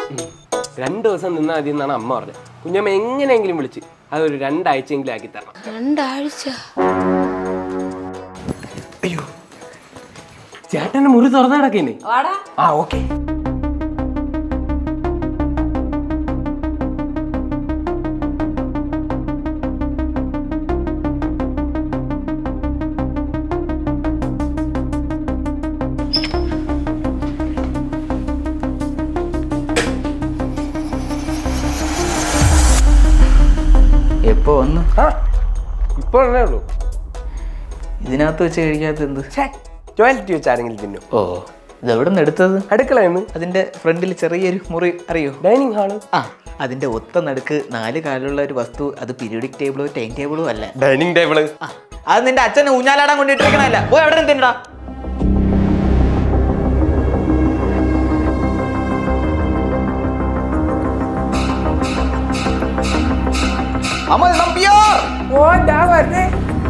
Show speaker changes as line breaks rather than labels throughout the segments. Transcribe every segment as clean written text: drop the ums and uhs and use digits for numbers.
2 ദിവസം നിന്നാൽ മതി എന്നാണ് അമ്മ പറഞ്ഞത്. കുഞ്ഞമ്മ എങ്ങനെയെങ്കിലും വിളിച്ച് അതൊരു 2 ആഴ്ചയെങ്കിലും ആക്കി തരണം.
2 ആഴ്ച?
അയ്യോ, ചേട്ടന്റെ മുറി തുറന്നു കിടക്കേ. ആ ഓക്കെ.
എപ്പോ വന്നു?
ഇപ്പോഴേ ഉള്ളൂ.
ഇതിനകത്ത് വെച്ച് കഴിക്കാത്ത എന്ത്?
ടോയ്ലറ്റ് വെച്ച് ആരെങ്കിലും തിന്നും.
ഓ, ഇതെവിടെ നിന്ന് എടുത്തത്?
അടുക്കളയെന്ന്.
അതിന്റെ ഫ്രണ്ടിൽ ചെറിയൊരു മുറി അറിയോ?
Dining hall.
ആ, അതിന്റെ ഒത്ത നടുക്ക് 4 കാലുള്ള ഒരു വസ്തു. അത് പീരിയോഡിക് ടേബിളോ ടൈം ടേബിളോ അല്ല.
Dining table.
അത് നിന്റെ അച്ഛനെ ഊഞ്ഞാലാടാൻ കൊണ്ടിട്ടിരിക്കണല്ല. പോയി എവിടെ നിന്നിട്ടാ? അമൽ നമ്പ്യാർ.
ഓ, ഞാൻ വരണേ.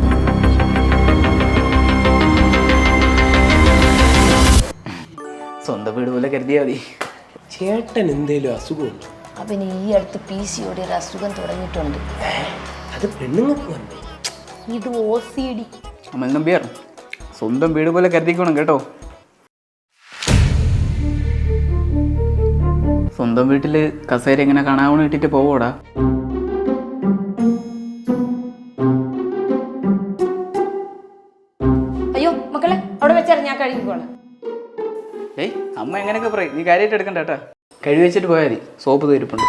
സ്വന്തം വീട് പോലെ കരുതിയാ മതി.
ചേട്ടൻ എന്തേലും അസുഖമുണ്ടോ?
അവന് ഈ അടുത്ത് PCOD ഒരു അസുഖം തുടങ്ങിയിട്ടുണ്ട്.
അത് പെണ്ണുങ്ങൾക്ക് വന്നേ.
ഇത് OCD.
അമൽ നമ്പ്യാർ, സ്വന്തം വീട് പോലെ കരുതിക്കണം കേട്ടോ. സ്വന്തം വീട്ടില് കസേര എങ്ങനെ കാണാവണം ഇട്ടിട്ട് പോവോടാ.
അയ്യോ മക്കളെ, അവിടെ വെച്ചാൽ ഞാൻ കഴുകിക്കോളാം.
ഏയ്, അമ്മ എങ്ങനെയൊക്കെ പറയും, നീ കാര്യമായിട്ട് എടുക്കണ്ട കേട്ടാ. കഴുകി വെച്ചിട്ട് പോയാൽ മതി, സോപ്പ് തീരുപ്പുണ്ട്.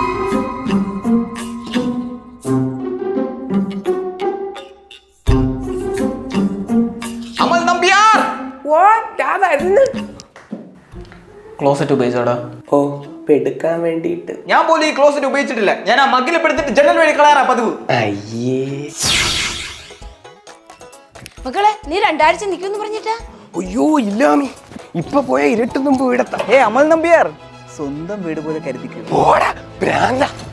അമൽ നമ്പ്യാർ.
ഓ, ഞാൻ വരുന്നു.
ക്ലോസറ്റ് ഉപയോഗിച്ചോടാ.
ഓ, എടുക്കാൻ വേണ്ടിട്ട്.
ഞാൻ പോലും ഈ ക്ലോസറ്റ് ഉപയോഗിച്ചിട്ടില്ല. ഞാൻ ആ മഗ്ഗിലെപ്പെടുത്തിട്ട് ജനൽ വഴി കളയാറാ പതിവ്.
അയ്യേ.
മക്കളെ, നീ 2 ആഴ്ച നിൽക്കുമെന്ന് പറഞ്ഞിട്ടാ?
അയ്യോ ഇല്ലാമി, ഇപ്പൊ പോയ ഇരുട്ടും തുമ്പ് വീടത്താം.
അമൽ നമ്പ്യാർ, സ്വന്തം വീട് പോലെ കരുതിക്കും.
ഓടാ ഭ്രാന്ത.